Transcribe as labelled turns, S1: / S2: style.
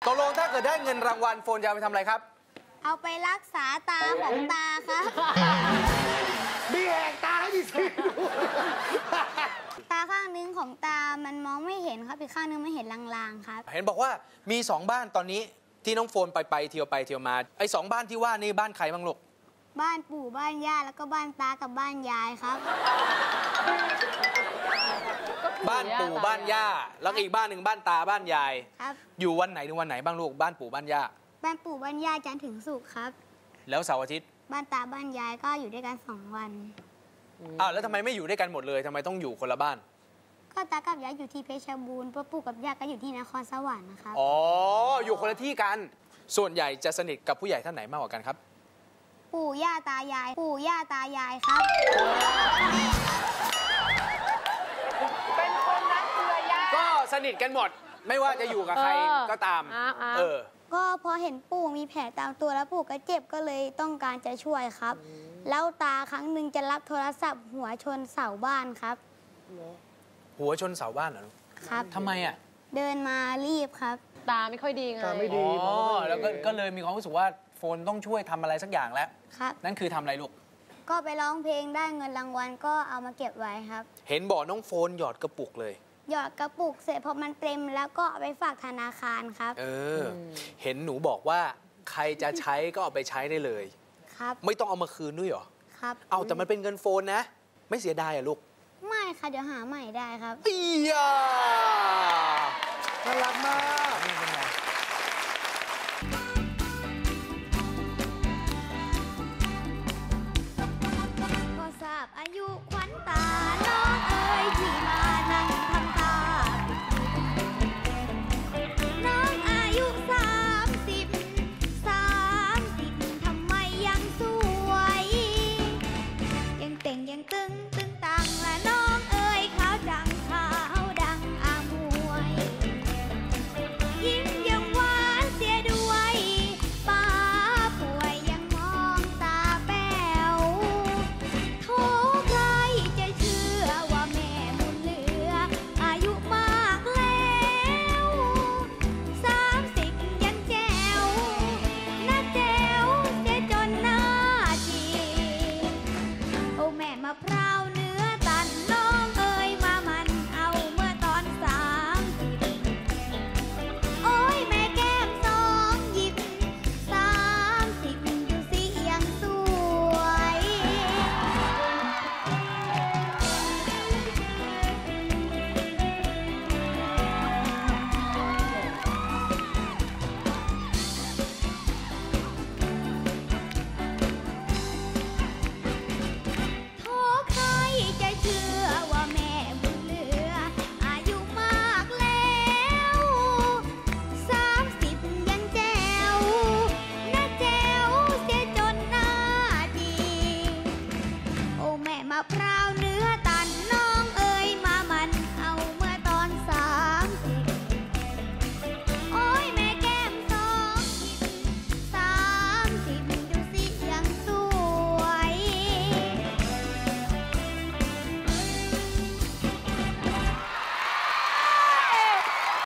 S1: ตกลงถ้าเกิดได้เงินรางวัลโฟนจะเอาไปทำอะไรครับ
S2: เอาไปรักษาตาของตาครับ
S3: มีแหกตาให้ดิสิ
S2: ตาข้างนึงของตามันมองไม่เห็นครับอีกข้างนึงไม่เห็นลางๆครับ
S1: เห็นบอกว่ามี2บ้านตอนนี้ที่น้องโฟนไปเที่ยวมาไอ้2บ้านที่ว่านี่บ้านใครบ้างลูก
S2: บ้านปู่บ้านย่าแล้วก็บ้านตากับบ้านยายครับ
S1: บ้านปู่บ้านย่าแล้วอีกบ้านหนึ่งบ้านตาบ้านยาย
S2: ครับ
S1: อยู่วันไหนถึงวันไหนบ้างลูกบ้านปู่บ้านย่า
S2: บ้านปู่บ้านย่าจันทร์ถึงศุกร์ครับ
S1: แล้วเสาร์อาทิตย์
S2: บ้านตาบ้านยายก็อยู่ด้วยกัน2 วัน
S1: แล้วทำไมไม่อยู่ด้วยกันหมดเลยทำไมต้องอยู่คนละบ้าน
S2: ก็ตากับยายอยู่ที่เพชรบูรณ์ปู่กับย่าก็อยู่ที่นครสวรรค์นะครับ
S1: อ๋ออยู่คนละที่กันส่วนใหญ่จะสนิทกับผู้ใหญ่ท่านไหนมากกว่ากันครับ
S2: ปู่ย่าตายายปู่ย่าตายายครับ
S4: เป็นคนรักเครือญาติ
S1: ก็สนิทกันหมดไม่ว่าจะอยู่กับใครก็ตาม
S2: ก็พอเห็นปู่มีแผลตามตัวแล้วปู่ก็เจ็บก็เลยต้องการจะช่วยครับแล้วตาครั้งหนึ่งจะรับโทรศัพท์หัวชนเสาบ้านครับ
S1: หัวชนเสาบ้านเหรอ
S2: ครับ
S1: ทำไมอ่ะ
S2: เดินมารีบครับ
S4: ตาไม่ค่อยดีไง
S3: ตาไม่ดี
S1: แล้วก็เลยมีความรู้สึกว่าโฟนต้องช่วยทำอะไรสักอย่างแล้ว
S2: ครับ
S1: นั่นคือทำอะไรลูก
S2: ก็ไปร้องเพลงได้เงินรางวัลก็เอามาเก็บไว้ครับ
S1: เห็นบอกน้องโฟนหยอดกระปุกเลย
S2: หยอดกระปุกเสร็จพอมันเต็มแล้วก็เอาไปฝากธนาคารครับ
S1: เห็นหนูบอกว่าใครจะใช้ก็เอาไปใช้ได้เลย
S2: ครับ
S1: ไม่ต้องเอามาคืนด้วยเหรอ
S2: ครับ
S1: เอาแต่มันเป็นเงินโฟนนะไม่เสียดายอ่ะลูก
S2: ไม่ค่ะเดี๋ยวหาใหม่ได้ครับ
S1: อียา
S3: น่ารักมาก
S2: พอทราบอายุขวัญตาน้องเอ๋ยที่มานั่งทำตาน้องอายุ30ทำไมยังสวยยังเต่งยังตึงตังและน้องเอ๋ยขาวดังอามวยยิ้มยังหวานเสียด้วยป้าป่วยยังมองตาแป๋วโทใครจะเชื่อว่าแม่บุญเหลืออายุมากแล้ว30ยันแจ๋วน่าแจ๋วเสียจนหน้าจีโอ้แม่มะพร้าวเนื้อตันน้องเอ๋ยมามันเอาเมื่อตอน30โอ้ยแม่แก้ม2หยิบ30ดูสิยังสวยโทใครจะเชื่อว่าแม่บุญเหลืออายุมากแล้ว30ยังแจ๋วน่าแจ๋วเสียจนหน้าดีโอ้แม่มะพร้าว